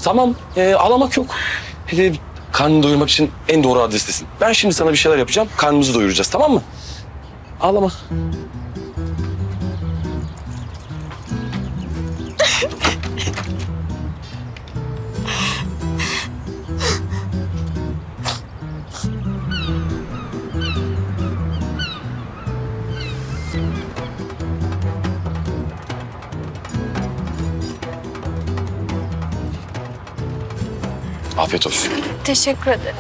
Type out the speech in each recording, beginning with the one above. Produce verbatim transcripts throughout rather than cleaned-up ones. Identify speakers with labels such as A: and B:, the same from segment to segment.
A: Tamam, e, ağlamak yok. E, karnını doyurmak için en doğru adrestesin. Ben şimdi sana bir şeyler yapacağım, karnımızı doyuracağız, tamam mı? Ağlama. Afiyet olsun.
B: Teşekkür ederim.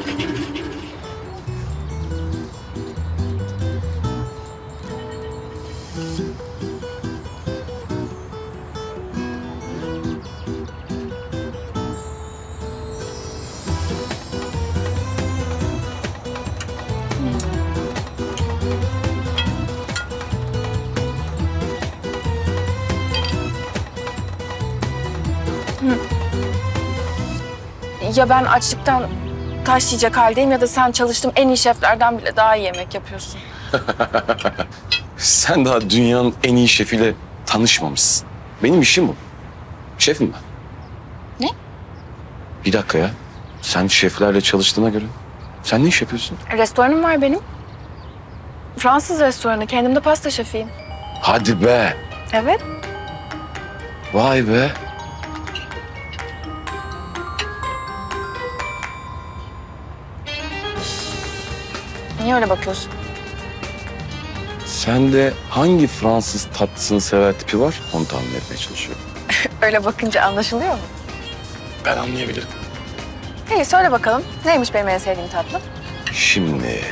B: Ya ben açlıktan taş yiyecek haldeyim ya da sen çalıştığım en iyi şeflerden bile daha iyi yemek yapıyorsun.
A: Sen daha dünyanın en iyi şefiyle tanışmamışsın. Benim işim bu. Şefim ben.
B: Ne?
A: Bir dakika ya. Sen şeflerle çalıştığına göre sen ne iş yapıyorsun?
B: Restoranım var benim. Fransız restoranı. Kendim de pasta şefiyim.
A: Hadi be.
B: Evet.
A: Vay be.
B: Niye öyle bakıyorsun?
A: Sende hangi Fransız tatlısını sever tipi var? Onu tahmin etmeye çalışıyorum.
B: Öyle bakınca anlaşılıyor mu?
A: Ben anlayabilirim.
B: İyi söyle bakalım. Neymiş benim en sevdiğim tatlı?
A: Şimdi...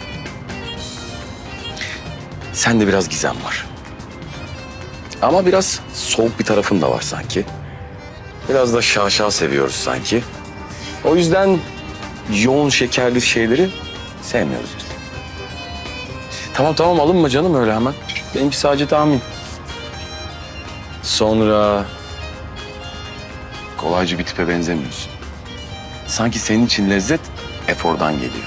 A: Sende biraz gizem var. Ama biraz soğuk bir tarafın da var sanki. Biraz da şaşa seviyoruz sanki. O yüzden yoğun şekerli şeyleri sevmiyoruz biz. Tamam tamam alınma canım öyle hemen. Benimki sadece tahmin. Sonra kolayca bir tipe benzemiyorsun. Sanki senin için lezzet efordan geliyor.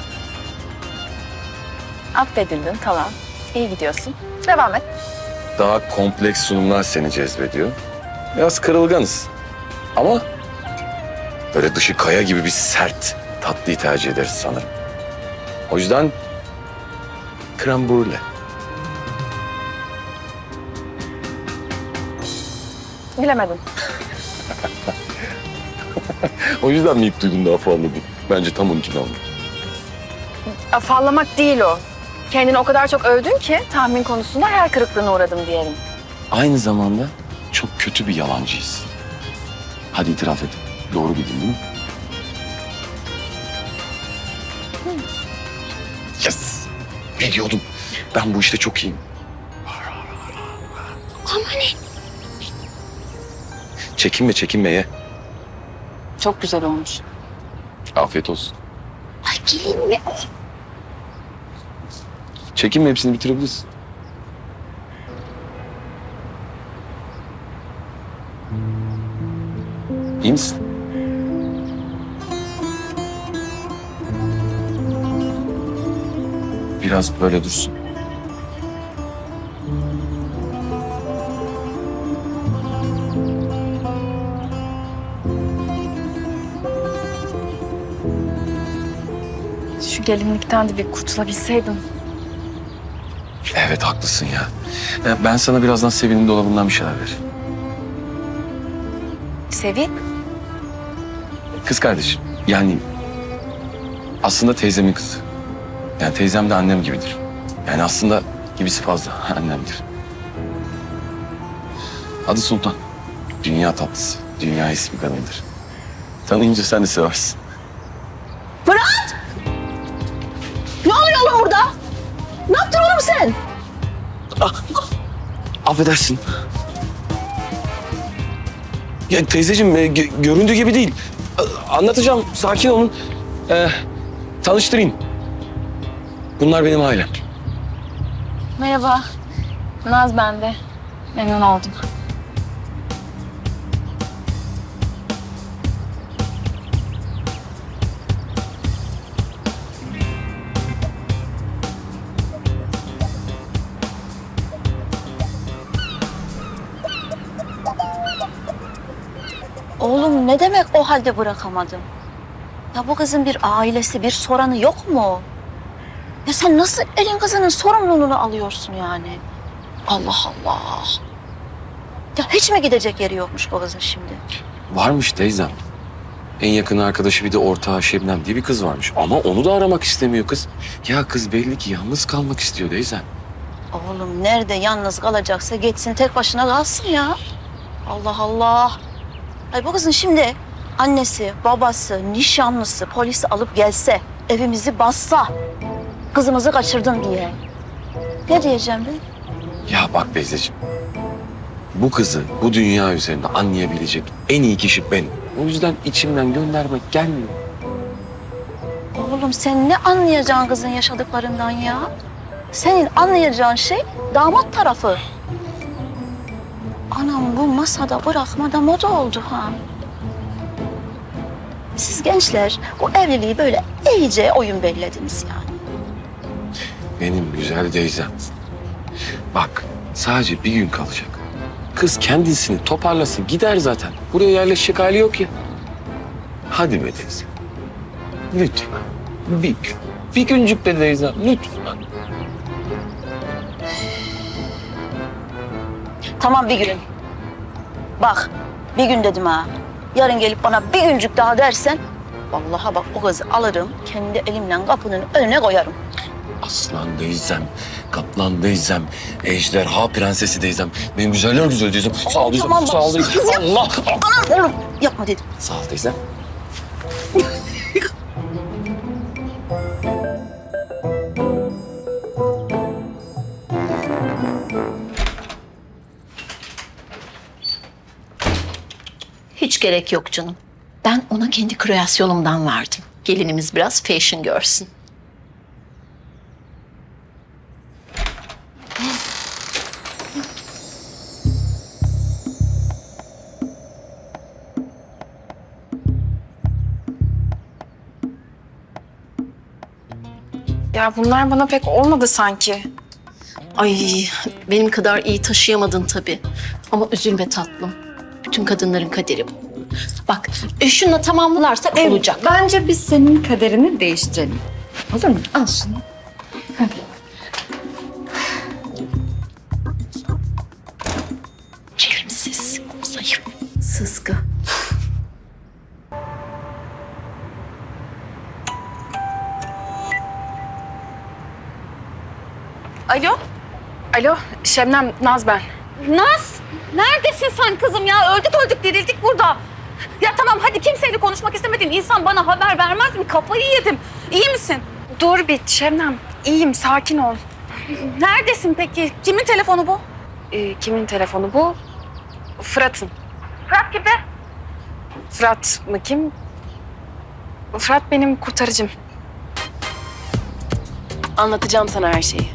B: Affedildin tamam. İyi gidiyorsun. Devam et.
A: Daha kompleks sunumlar seni cezbediyor. Biraz kırılganız. Ama böyle dışı kaya gibi bir sert tatlıyı tercih ederiz sanırım. O yüzden krem brûlée.
B: Bilemedim.
A: O yüzden mi ilk duydun daha fazla bu? Bence tam onun için aldım.
B: Afallamak değil o. Kendini o kadar çok övdün ki tahmin konusunda hayal kırıklığına uğradım diyelim.
A: Aynı zamanda çok kötü bir yalancıyız. Hadi itiraf et. Doğru bildin değil mi? Yes! Biliyordum. Ben bu işte çok iyiyim.
B: Ama ne?
A: Çekinme çekinme ye.
B: Çok güzel olmuş.
A: Afiyet olsun.
B: Ay gelin mi?
A: Çekinme hepsini bitirebilirsin. İyi misin? Biraz böyle dursun.
B: Şu gelinlikten de bir kurtulabilseydim.
A: Evet haklısın ya. Ya ben sana birazdan Sevin'in dolabından bir şeyler veririm.
B: Sevi?
A: Kız kardeşim. Yani aslında teyzemin kızı. Yani teyzem de annem gibidir. Yani aslında gibisi fazla annemdir. Adı Sultan. Dünya tatlısı. Dünya ismi kadındır. Tanıyınca sen de seversin.
C: Fırat! Ne oluyor oğlum burada? Ne yaptın oğlum sen?
A: Affedersin. Ya teyzeciğim e, gö- göründüğü gibi değil. A- Anlatacağım. Sakin olun. Ee, tanıştırayım. Bunlar benim ailem.
B: Merhaba. Naz bende. Memnun oldum.
C: Oğlum ne Ne demek o halde bırakamadım? Ya bu kızın bir ailesi, bir soranı yok mu? Ya sen nasıl elin kızının sorumluluğunu alıyorsun yani? Allah Allah. Ya hiç mi gidecek yeri yokmuş bu kızın şimdi?
A: Varmış teyzem. En yakın arkadaşı bir de ortağı Şebnem diye bir kız varmış. Ama onu da aramak istemiyor kız. Ya kız belli ki yalnız kalmak istiyor teyzem.
C: Oğlum nerede yalnız kalacaksa geçsin tek başına kalsın ya. Allah Allah. Ay bu kızın şimdi annesi, babası, nişanlısı, polisi alıp gelse, evimizi bassa, kızımızı kaçırdın diye. Ne diyeceğim ben?
A: Ya bak teyzeciğim. Bu kızı bu dünya üzerinde anlayabilecek en iyi kişi benim. O yüzden içimden göndermek gelmiyor.
C: Oğlum sen ne anlayacaksın kızın yaşadıklarından ya? Senin anlayacağın şey damat tarafı. Anam bu masada bırakmada moda oldu ha. Siz gençler bu evliliği böyle iyice oyun bellediniz yani.
A: Benim güzel teyzem. Bak sadece bir gün kalacak. Kız kendisini toparlasın gider zaten. Buraya yerleşecek hali yok ya. Hadi be teyze. Lütfen. Bir gün. Bir güncük de teyzem lütfen.
C: Tamam bir gün. Bak bir gün dedim ha. Yarın gelip bana bir güncük daha dersen... Vallahi bak o kızı alırım, kendi elimle kapının önüne koyarım.
A: Aslan teyzem, kaplan teyzem, ejderha prensesi teyzem. Benim güzeller güzel teyzem. Sağ ol teyzem,
C: Tamam,
A: sağ ol teyzem. Allah!
C: Anam oğlum yapma dedim.
A: Sağ ol teyzem.
D: Hiç gerek yok canım. Ben ona kendi kreasyonumdan verdim. Gelinimiz biraz fashion görsün.
B: Ya bunlar bana pek olmadı sanki.
D: Ay benim kadar iyi taşıyamadın tabii. Ama üzülme tatlım. Bütün kadınların kaderi bu. Bak e, şununla tamamlarsak olacak.
E: Bence biz senin kaderini değiştirelim. Olur mu? Al şunu.
D: Çelimsiz, zayıf, sızgı.
B: Alo? Alo, Şebnem, Naz ben.
F: Naz, neredesin sen kızım ya? Öldük öldük dirildik burada. Ya tamam hadi kimseyle konuşmak istemediğin insan bana haber vermez mi? Kafayı yedim. İyi misin?
B: Dur bir Şebnem, iyiyim, sakin ol.
F: Neredesin peki? Kimin telefonu bu?
B: Ee, kimin telefonu bu? Fırat'ın.
F: Fırat gibi.
B: Fırat mı kim? Fırat benim kurtarıcım. Anlatacağım sana her şeyi.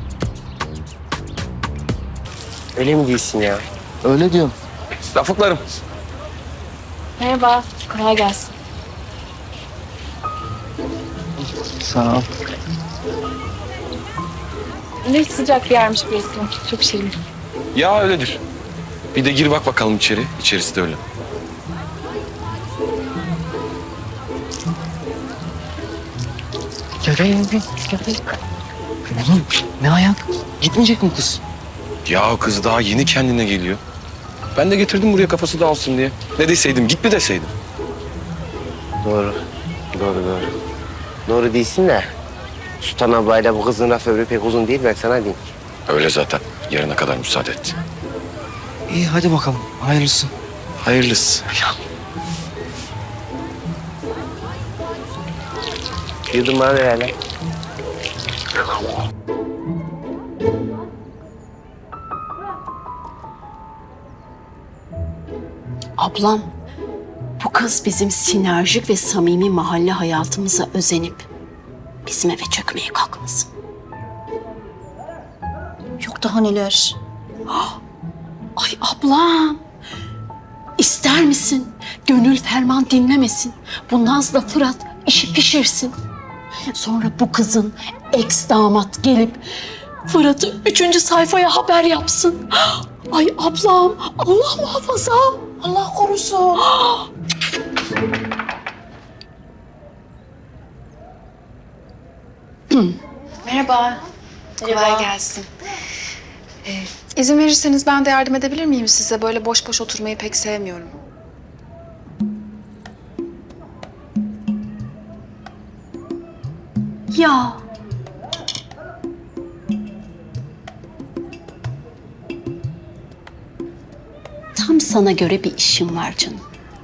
G: Öyle mi değilsin ya?
H: Öyle diyorum.
A: Rafıklarım.
B: Merhaba, kolay gelsin.
H: Sağ ol.
B: Ne sıcak bir yermiş burası. Çok şirin.
A: Ya öyledir. Bir de gir bak bakalım içeri. İçerisi de öyle.
H: Gel gel gel. Gel, gel. Oğlum ne ayak? Gitmeyecek mi kız?
A: Ya kız daha yeni kendine geliyor. Ben de getirdim buraya kafası dağılsın diye. Ne deseydim, git mi deseydim?
G: Doğru. Doğru doğru. Doğru değilsin de. Sultan ablayla bu kızın laf ömrü pek uzun değil ben sana diyeyim.
A: Öyle zaten. Yarına kadar müsaade et.
H: İyi hadi bakalım. Hayırlısı.
A: Hayırlısı.
G: Yudum bana ver hele.
D: Ablam, bu kız bizim sinerjik ve samimi mahalle hayatımıza özenip bizim eve çökmeye kalkmasın.
C: Yok daha neler.
D: Ay ablam, ister misin? Gönül ferman dinlemesin. Bu Naz'la Fırat işi pişirsin. Sonra bu kızın ex damat gelip Fırat'ı üçüncü sayfaya haber yapsın. Ay ablam, Allah muhafaza. Allah korusun.
B: Merhaba. Kolay gelsin. Ee, izin verirseniz ben de yardım edebilir miyim size? Böyle boş boş oturmayı pek sevmiyorum.
C: Ya
D: Tam sana göre bir işim var canım.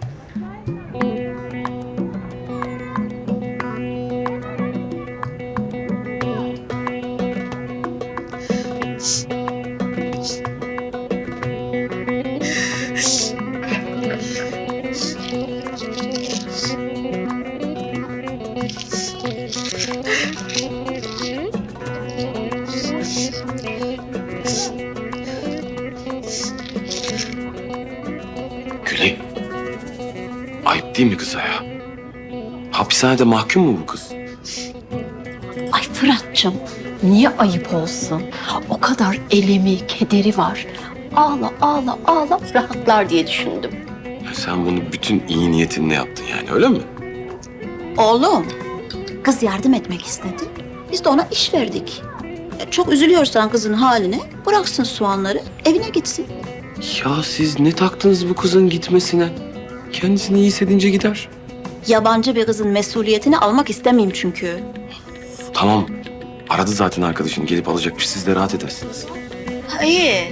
A: Gülay. Ayıp değil mi kıza ya? Hapishanede mahkum mu bu kız?
D: Ay Fırat'cığım, niye ayıp olsun? O kadar elemi, kederi var. Ağla, ağla, ağla rahatlar diye düşündüm.
A: Ya sen bunu bütün iyi niyetinle yaptın yani, öyle mi?
C: oğlum, kız yardım etmek istedi. Biz de ona iş verdik. Ya çok üzülüyorsan kızın haline bıraksın soğanları, evine gitsin.
A: Ya siz ne taktınız bu kızın gitmesine? Kendisini iyi hissedince gider.
C: Yabancı bir kızın mesuliyetini almak istemeyeyim çünkü.
A: Tamam. Aradı zaten arkadaşını, gelip alacakmış. Siz de rahat edersiniz.
C: İyi.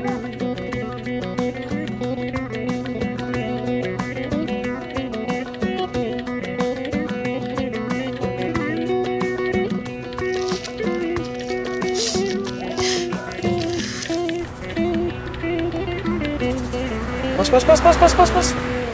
H: Bas bas bas bas bas bas bas.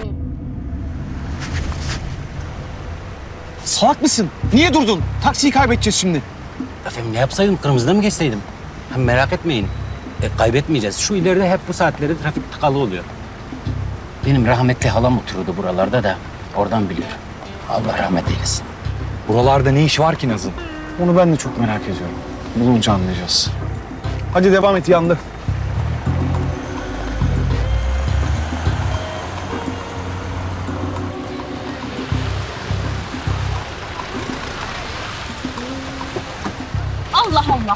H: Salak mısın? Niye durdun? Taksiyi kaybedeceğiz şimdi.
I: Efendim ne yapsaydım? Kırmızıda mı geçseydim? Hem merak etmeyin. E, kaybetmeyeceğiz. Şu ileride hep bu saatleri trafik tıkalı oluyor. Benim rahmetli halam oturuyordu buralarda da. Oradan biliyorum. Allah rahmet eylesin.
H: Buralarda ne iş var ki Naz'ın? Onu ben de çok merak ediyorum. Bulunca anlayacağız. Hadi devam et, yandı.
F: Allah Allah.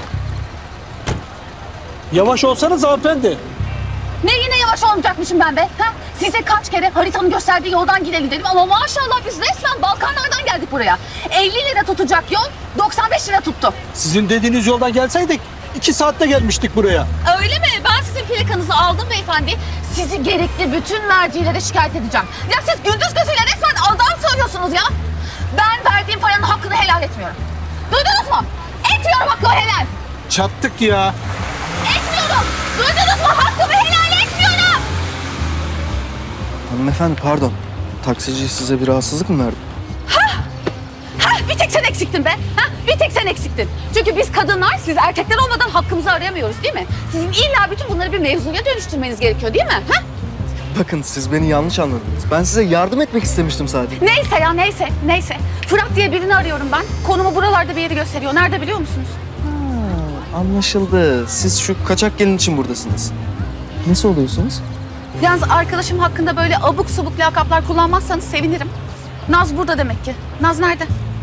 H: Yavaş olsanız hanımefendi.
F: Ne yine yavaş olmayacakmışım ben be? Ha? Size kaç kere haritanın gösterdiği yoldan gidelim dedim ama maşallah biz resmen Balkanlardan geldik buraya. elli lira tutacak yol doksan beş lira tuttu.
H: Sizin dediğiniz yoldan gelseydik iki saatte gelmiştik buraya.
F: Öyle mi? Ben sizin plakanızı aldım beyefendi. Sizi gerekli bütün mercilere şikayet edeceğim. Ya siz gündüz gözüyle resmen adam söylüyorsunuz ya. Ben verdiğim paranın hakkını helal etmiyorum. Duydunuz mu? Etmiyorum hakkımı helal.
H: Çattık ya.
F: Etmiyorum. Duydunuz mu? Hakkımı helal etmiyorum.
J: Hanımefendi pardon. Taksici size bir rahatsızlık mı verdi?
F: Hah, bir tek sen eksiktin be. Hah, bir tek sen eksiktin. Çünkü biz kadınlar, siz erkekler olmadan hakkımızı arayamıyoruz değil mi? Sizin illa bütün bunları bir mevzuya dönüştürmeniz gerekiyor değil mi? Hah?
J: Bakın siz beni yanlış anladınız. Ben size yardım etmek istemiştim sadece.
F: Neyse ya neyse, neyse. Fırat diye birini arıyorum ben. Konumu buralarda bir yeri gösteriyor. Nerede biliyor musunuz?
J: Ha, anlaşıldı. Siz şu kaçak gelin için buradasınız. Nesi oluyorsunuz?
F: Yalnız arkadaşım hakkında böyle abuk subuk lakaplar kullanmazsanız sevinirim. Naz burada demek ki. Naz nerede?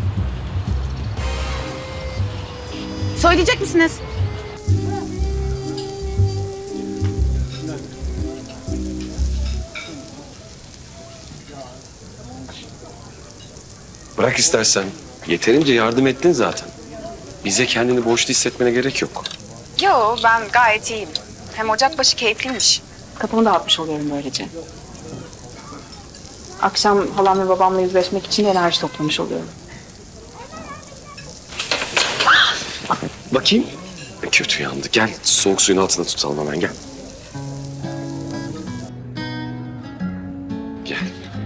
F: Söyleyecek misiniz?
A: Bırak istersen. Yeterince yardım ettin zaten. Bize kendini borçlu hissetmene gerek yok.
B: Yo, ben gayet iyiyim. Hem Ocakbaşı keyifliymiş. Kafamı dağıtmış oluyorum böylece. Akşam halam ve babamla yüzleşmek için enerji toplamış oluyorum.
A: Bakayım. Kötü yandı. Gel soğuk suyun altında tutalım hemen, gel. Gel.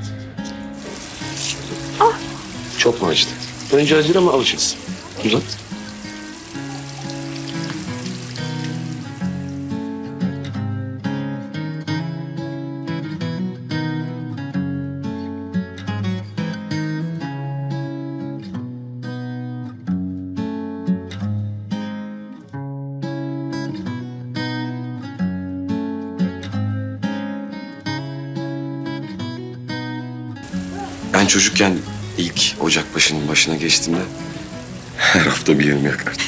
A: Ah. Çok mu acıdı? Önce acır ama alışırız. Uzat. çocukken ilk Ocakbaşı'nın başına geçtiğimde her hafta bir yerim yakardım.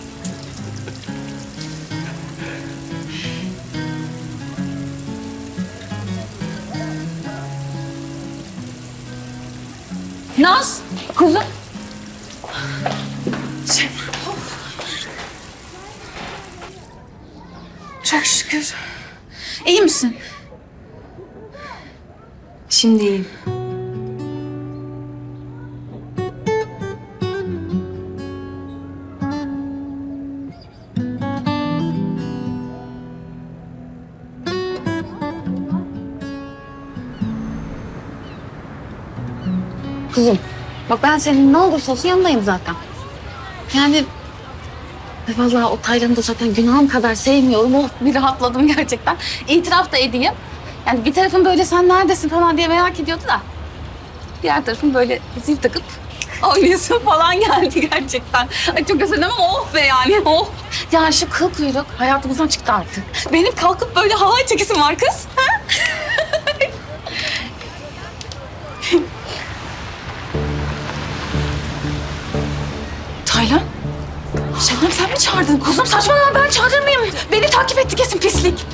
F: Naz, kuzum.
B: Çok şükür. İyi misin? Şimdi iyiyim.
F: Kuzum, bak ben senin ne olursa olsun yanındayım zaten. Yani e, vallahi o Taylan'ı da zaten günahım kadar sevmiyorum. Oh, bir rahatladım gerçekten. İtiraf da edeyim. Yani bir tarafım böyle sen neredesin falan diye merak ediyordu da. Diğer tarafım böyle zil takıp oynayasın falan geldi gerçekten. Ay çok özledim ama oh be yani oh. Ya şu kıl kuyruk hayatımızdan çıktı artık. Benim kalkıp böyle halay çekisim var kız. Ha?
B: Taylan?
F: Şebnem sen mi çağırdın? Kuzum saçmalama ben çağırır mıyım? Beni takip etti kesin pislik.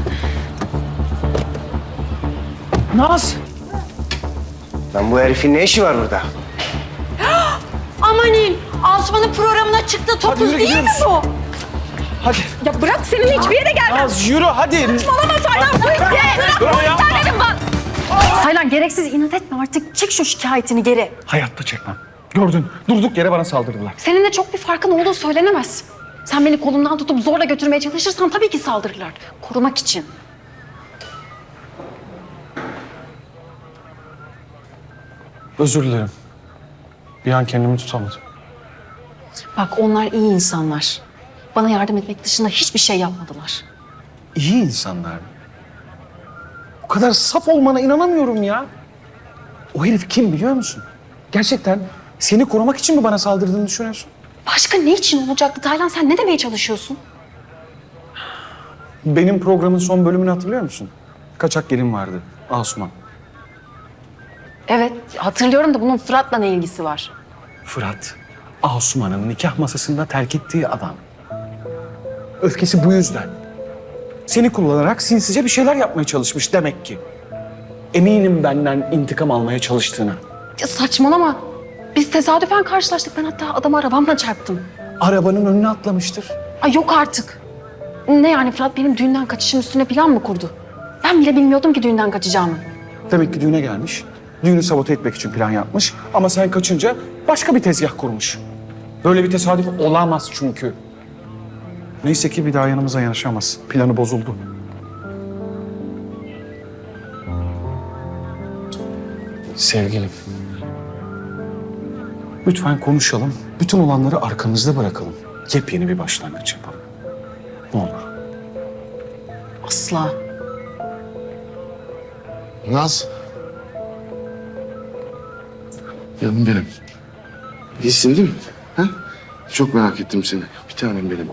H: Naz!
G: Lan bu herifin ne işi var burada?
D: Amanin, Asuman'ın programına çıktı.
H: Hadi
D: Topuz
H: yürü
D: değil mi
H: gidiyoruz.
D: bu?
H: Hadi.
F: Ya bırak senin hiçbir yere gelmem.
H: Naz yürü hadi.
F: Saçmalama Taylan bu itti.
H: Dur ya.
F: Dedim bak.
B: Taylan gereksiz inat etme artık. Çek şu şikayetini geri.
H: Hayatta çekmem. Gördün. Durduk yere bana saldırdılar.
B: Seninle çok bir farkın olduğu söylenemez. Sen beni kolumdan tutup zorla götürmeye çalışırsan tabii ki saldırırlar. Korumak için.
H: Özür dilerim. Bir an kendimi tutamadım.
B: Bak onlar iyi insanlar. Bana yardım etmek dışında hiçbir şey yapmadılar.
H: İyi insanlar mı? Bu kadar saf olmana inanamıyorum ya. O herif kim biliyor musun? Gerçekten seni korumak için mi bana saldırdığını düşünüyorsun?
B: Başka ne için olacaktı Taylan? Sen ne demeye çalışıyorsun?
H: Benim programın son bölümünü hatırlıyor musun? Kaçak gelin vardı. Asuman.
B: Evet hatırlıyorum da bunun Fırat'la ne ilgisi var?
H: Fırat, Asuman'ın nikah masasında terk ettiği adam. Öfkesi bu yüzden. Seni kullanarak sinsice bir şeyler yapmaya çalışmış demek ki. Eminim benden intikam almaya çalıştığına.
B: Ya saçmalama. Biz tesadüfen karşılaştık. Ben hatta adamı arabamla çarptım.
H: Arabanın önüne atlamıştır.
B: Ay yok artık. Ne yani Fırat benim düğünden kaçışım üstüne plan mı kurdu? Ben bile bilmiyordum ki düğünden kaçacağımı.
H: Demek ki düğüne gelmiş. Düğünü sabote etmek için plan yapmış. Ama sen kaçınca başka bir tezgah kurmuş. Böyle bir tesadüf olamaz çünkü. Neyse ki bir daha yanımıza yanaşamaz. Planı bozuldu. Sevgilim. Lütfen konuşalım. Bütün olanları arkamızda bırakalım. Yepyeni bir başlangıç yapalım. Ne olur.
B: Asla.
K: Naz. Canım benim. İyisin değil mi? Ha? Çok merak ettim seni. Bir tanem benim.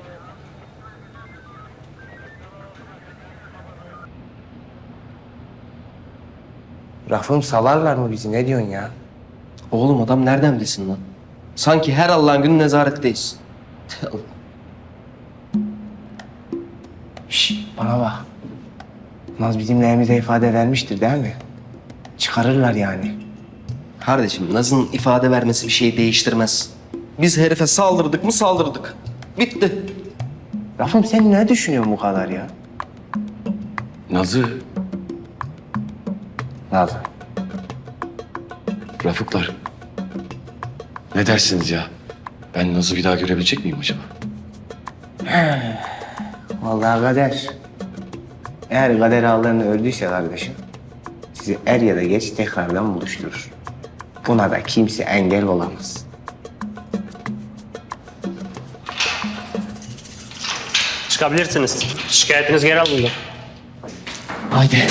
G: Rafım salarlar mı bizi? Ne diyorsun ya? Oğlum adam nereden bilsin lan? Sanki her Allah'ın günü nezaretteyiz. Şş, bana bak. Naz bizim lehimize ifade vermiştir değil mi? Çıkarırlar yani.
L: Kardeşim Naz'ın ifade vermesi bir şey değiştirmez. Biz herife saldırdık mı saldırdık. Bitti.
G: Rafım sen ne düşünüyorsun bu kadar ya?
A: Nazı,
G: Naz.
A: Rafıklar. Ne dersiniz ya? Ben Naz'ı bir daha görebilecek miyim acaba?
G: Vallahi kader. Eğer kader ağlarını ördüyse kardeşim, sizi er ya da geç tekrardan buluşturur. Buna da kimse engel olamaz.
M: Çıkabilirsiniz. Şikayetiniz geri alındı.
G: Haydi.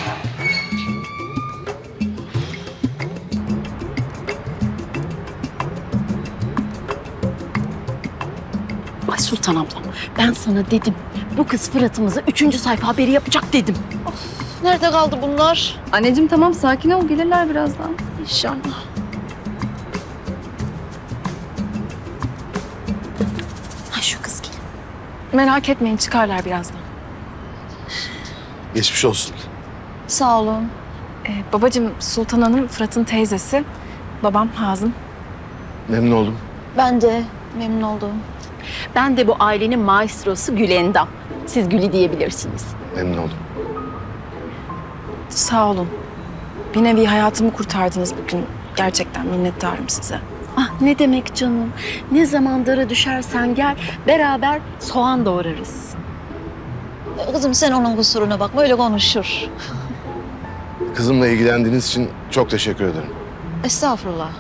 D: Ay Sultan ablam, ben sana dedim. Bu kız Fırat'ımıza üçüncü sayfa haberi yapacak dedim.
C: Nerede kaldı bunlar?
E: Anneciğim tamam sakin ol gelirler birazdan.
C: İnşallah.
D: Ay şu kız gel.
B: Merak etmeyin, çıkarlar birazdan.
K: Geçmiş olsun.
C: Sağ olun.
B: Ee, babacığım, Sultan Hanım Fırat'ın teyzesi. Babam Hazım.
K: Memnun oldum.
C: Ben de memnun oldum.
D: Ben de bu ailenin maestrosu Gülendam. Siz Gülü diyebilirsiniz.
K: Memnun oldum.
B: Sağ olun. Bir nevi hayatımı kurtardınız bugün. Gerçekten minnettarım size.
D: Ah ne demek canım. Ne zaman dara düşersen gel beraber soğan doğrarız.
C: Kızım sen onun kusuruna bakma, öyle konuşur.
K: Kızımla ilgilendiğiniz için çok teşekkür ederim.
C: Estağfurullah.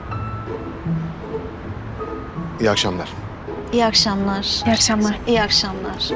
K: İyi akşamlar.
C: İyi akşamlar.
B: İyi akşamlar.
C: İyi akşamlar.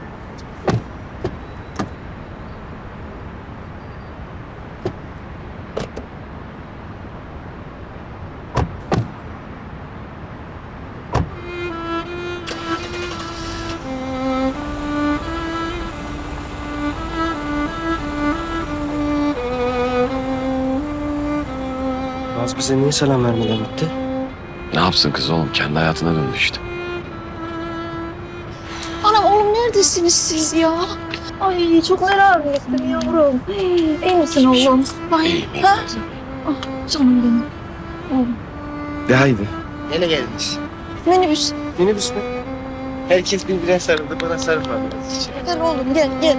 L: Naz bize niye selam vermeden gitti?
A: Ne yapsın kız oğlum? Kendi hayatına döndü işte.
C: Anam oğlum neredesiniz siz ya? Ay çok merak ettim yavrum. İyi misin oğlum? Ay,
A: İyiyim, iyiyim
C: ha?
A: kızım.
C: Ah, canım benim. Oğlum.
G: De haydi. Hele gelmiş.
C: Minibüs.
G: Minibüs mü? Herkes birbirine sarıldı, bana sarılmadınız hiç.
C: Gel oğlum gel gel.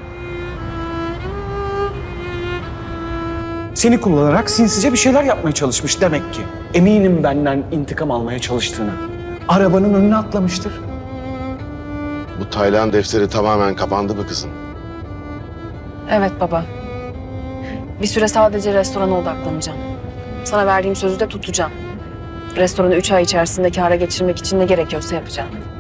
H: Seni kullanarak sinsice bir şeyler yapmaya çalışmış demek ki. Eminim benden intikam almaya çalıştığını. Arabanın önüne atlamıştır.
K: Bu Taylan defteri tamamen kapandı mı kızım?
B: Evet baba. Bir süre sadece restorana odaklanacağım. Sana verdiğim sözü de tutacağım. Restoranı üç ay içerisinde kâra geçirmek için ne gerekiyorsa yapacağım.